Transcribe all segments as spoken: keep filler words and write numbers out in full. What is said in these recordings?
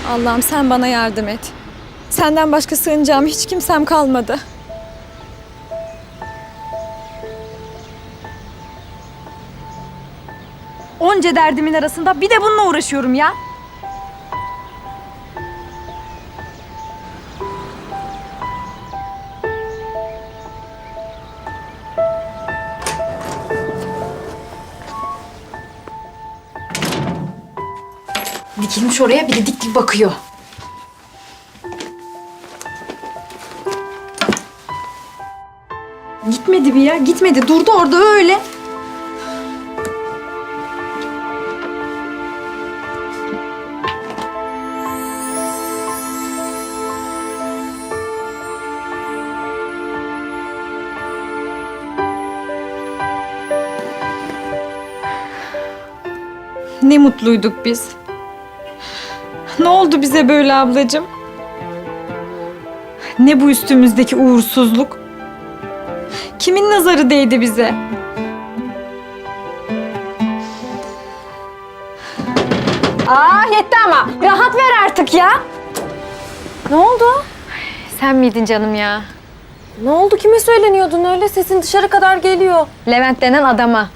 Allah'ım sen bana yardım et. Senden başka sığınacağım hiç kimsem kalmadı. Onca derdimin arasında bir de bununla uğraşıyorum ya. Dikilmiş oraya, bir de dik dik bakıyor. Gitmedi bir ya, gitmedi. Durdu orada öyle. Ne mutluyduk biz. Ne oldu bize böyle ablacığım? Ne bu üstümüzdeki uğursuzluk? Kimin nazarı değdi bize? Aa yetti ama. Rahat ver artık ya. Ne oldu? Sen miydin canım ya? Ne oldu? Kime söyleniyordun öyle? Sesin dışarı kadar geliyor. Levent denen adama.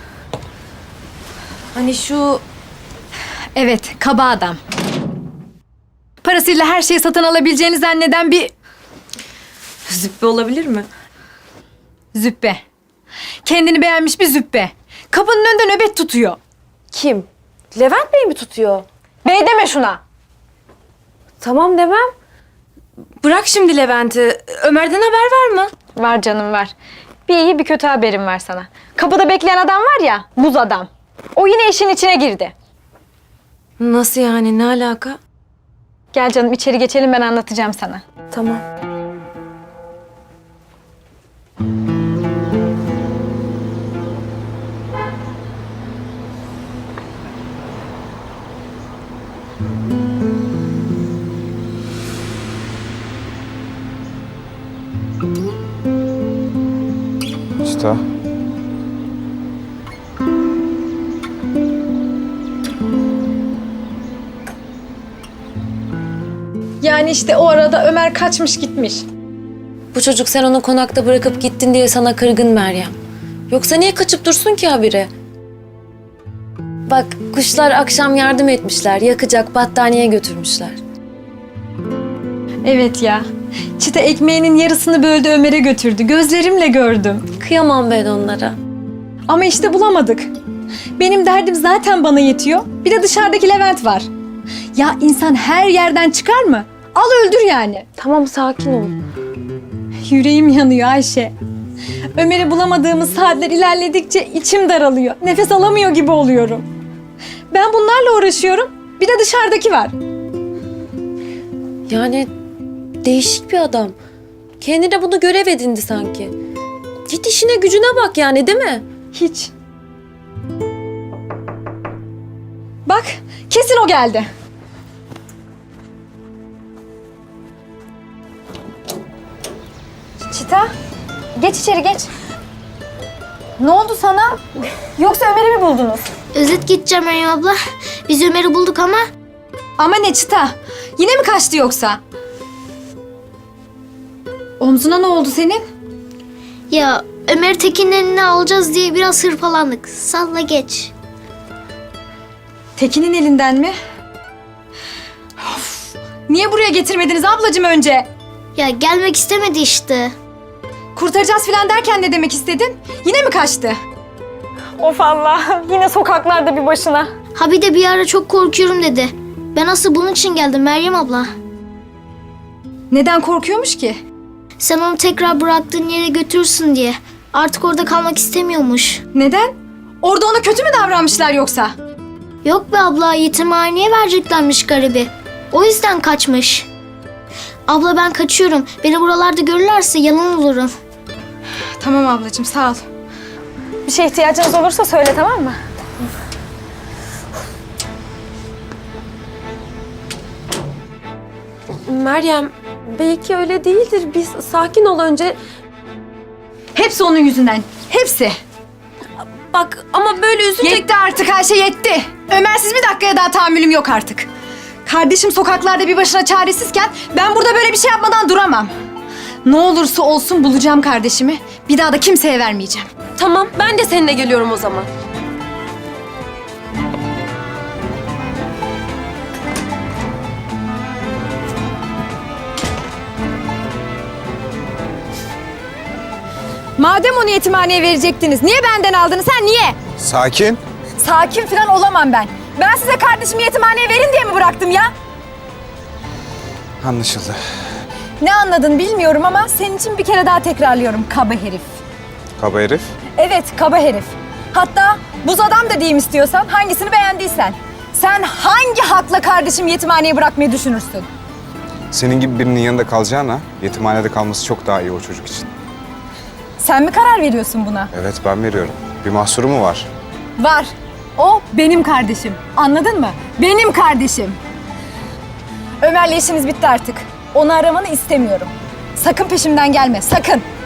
Hani şu... Evet, kaba adam. Parasıyla her şeyi satın alabileceğini zanneden bir Züppe olabilir mi? züppe. Kendini beğenmiş bir züppe. Kapının önünde nöbet tutuyor. Kim? Levent Bey mi tutuyor? Bey deme şuna. Tamam demem. Bırak şimdi Levent'i. Ömer'den haber var mı? Var canım var. Bir iyi bir kötü haberim var sana. Kapıda bekleyen adam var ya, buz adam. O yine işin içine girdi. Nasıl yani? Ne alaka? Gel canım içeri geçelim ben anlatacağım sana. Tamam. Usta. Yani işte o arada Ömer kaçmış gitmiş. Bu çocuk sen onu konakta bırakıp gittin diye sana kırgın Meryem. Yoksa niye kaçıp dursun ki habire? Bak kuşlar akşam yardım etmişler. Yakacak battaniye götürmüşler. Evet ya. Çita ekmeğinin yarısını böldü Ömer'e götürdü. Gözlerimle gördüm. Kıyamam ben onlara. Ama işte bulamadık. Benim derdim zaten bana yetiyor. Bir de dışarıdaki Levent var. Ya insan her yerden çıkar mı? Al öldür yani. Tamam sakin ol. Yüreğim yanıyor Ayşe. Ömer'i bulamadığımız saatler ilerledikçe içim daralıyor. Nefes alamıyor gibi oluyorum. Ben bunlarla uğraşıyorum. Bir de dışarıdaki var. Yani değişik bir adam. Kendine bunu görev edindi sanki. Git işine gücüne bak yani değil mi? Hiç. Bak, kesin o geldi. Çita, geç içeri geç. Ne oldu sana? Yoksa Ömer'i mi buldunuz? Özet gideceğim Meryem abla. Biz Ömer'i bulduk ama Ama ne Çita? Yine mi kaçtı yoksa? Omzuna ne oldu senin? ya Ömer'i Tekin'in eline alacağız diye biraz hırpalandık. Salla geç. Tekin'in elinden mi? Of, niye buraya getirmediniz ablacığım önce? Ya gelmek istemedi işte. Kurtaracağız falan derken ne demek istedin? Yine mi kaçtı? Of Allah, yine sokaklarda bir başına. Ha bir de bir ara çok korkuyorum dedi. Ben asıl bunun için geldim Meryem abla. Neden korkuyormuş ki? Sen onu tekrar bıraktığın yere götürürsün diye. Artık orada kalmak istemiyormuş. Neden? Orada ona kötü mü davranmışlar yoksa? Yok be abla, yetimhaneye vereceklermiş garibi. O yüzden kaçmış. Abla ben kaçıyorum. Beni buralarda görürlerse yalan olurum. Tamam ablacığım, sağ ol. Bir şeye ihtiyacınız olursa söyle, tamam mı? Meryem, belki öyle değildir. Biz sakin ol önce. Hepsi onun yüzünden. Hepsi. Bak ama böyle üzünce... Yetti artık, her şey yetti. Ömersiz bir dakikaya daha tahammülüm yok artık. Kardeşim sokaklarda bir başına çaresizken ben burada böyle bir şey yapmadan duramam. Ne olursa olsun bulacağım kardeşimi. Bir daha da kimseye vermeyeceğim. Tamam, ben de seninle geliyorum o zaman. Madem onu yetimhaneye verecektiniz, niye benden aldınız? Ha niye? Sakin. Sakin falan olamam ben. Ben size kardeşimi yetimhaneye verin diye mi bıraktım ya? Anlaşıldı. Ne anladın bilmiyorum ama senin için bir kere daha tekrarlıyorum. Kaba herif. Kaba herif. Evet, kaba herif. Hatta buz adam da diyeyim istiyorsan, hangisini beğendiysen. Sen hangi hakla kardeşimi yetimhaneye bırakmayı düşünürsün? Senin gibi birinin yanında kalacağına yetimhanede kalması çok daha iyi o çocuk için. Sen mi karar veriyorsun buna? Evet, ben veriyorum. Bir mahsuru mu var? Var. O benim kardeşim. Anladın mı? Benim kardeşim. Ömer'le işiniz bitti artık. Onu aramanı istemiyorum. Sakın peşimden gelme, sakın.